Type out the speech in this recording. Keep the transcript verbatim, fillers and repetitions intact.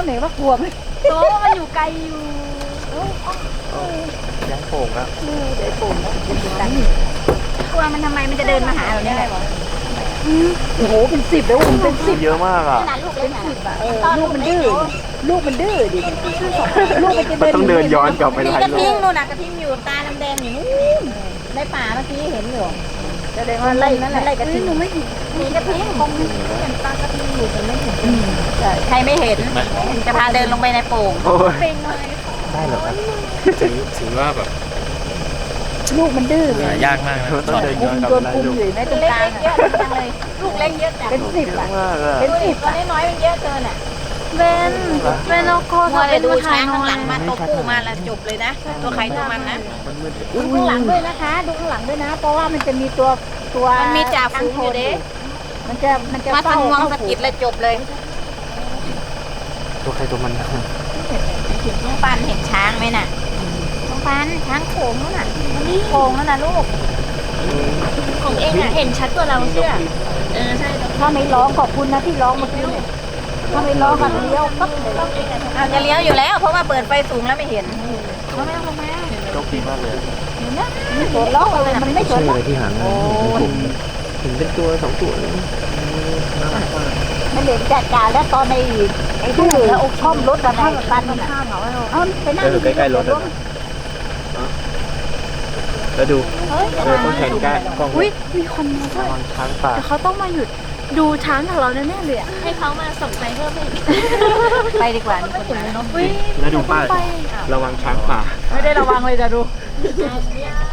ไหนว่ากลัวไหมโตมันอยู่ไกลอยู่ย้ายโป่งแล้วเดี๋ยวปุ่มนะเป็นตังค์กลัวมันทำไมมันจะเดินมาหาเราเนี่ยโอ้โหเป็นสิบแล้วผมเป็นสิบเยอะมากอ่ะขนาดลูกเล็กนะเออลูกมันดื้อลูกมันดื้อดิลูกมันจะมันเดินต้องเดินย้อนกลับไปมีหลายกระโลทิงนู่นน่ะกระทิงอยู่ตาแดงๆอยู่นู่นในป่าเมื่อกี้เห็นอยู่แสดงว่าไล่นั่นแหละไล่กระทิงหนูไม่เห็นมีกระทิงคงเห็นตากระทิงอยู่แต่ไม่เห็นใครไม่เห็นจะพาเดินลงไปในโป่งโอ้ยเป็นเลยได้เหรอครับถือถือว่าแบบลูกมันดื้อหายากมากนะมันต้องเดินคุย้อนมกลับโดไปนหลายคุมโลอยู่ไหมตรงเล็กลางกๆเยอะจังเลยลูกเล็กเยอะจังเป็นสิบเยอ่ะอะมากอ่ะเป็นสิสิบบ ตัวน้อยๆมันเยอะเกินอ่ะเบนเบนเอาโคมัวเบแต่นดูมาถ่าช้าย งหน่ข้างอหลัยงมาตัวผู้มาแล้วจบเลยนะตัวใครตัวมันนะมันมืดดูข้างหลังด้วยนะคะ ดูข้างหลังด้วยนะ เพราะว่ามันจะมีตัวตัวมันมีจ่าฝูงอยู่เด้มันจะมันจะมาเฝ้าทำงวงเข้าสะฝูกิดแล้วจบเลยตัวใครตัวมันน้องปันเห็นช้างไหมน่ะน้องปันช้างโขงนั่นน่ะนี่โขงนั่นน่ะลูกของเองอะเห็นชัดกว่าเราเชื่อเออใช่ถ้าไม่ร้องขอบคุณนะที่ร้องเมื่อกี้เนี่ยถ้าไม่ร้องกันเลี้ยวปั๊บเลยอาจจะเลี้ยวอยู่แล้ว เพราะว่าเปิดไฟสูงแล้วไม่เห็นเขาไม่ต้องลงมาโชคดีมากเลยไม่สนร้องอะไรมันไม่สนใช่เลยที่หางเห็นเป็นตัวสองตัวเลยน่ารักมากมันเด็กจัดการแล้วตอนในไอ้ดื้อช่อมรถกันไอ้ปันน่ะเอ้าไปนั่งเออใกล้ๆรถอ่ะแล้วดูเออต้องแข่งกันกล้องอุ้ยมีคนมาด้วยระวังช้างป่าแต่เขาต้องมาหยุดดูช้างของเราแน่ๆเลยอะให้เขามาส่งไปเพิ่มอีกไปดีกว่ามีคนมาเนาะอุ้ยแล้วดูป้ายระวังช้างป่าไม่ได้ระวังเลยจะดู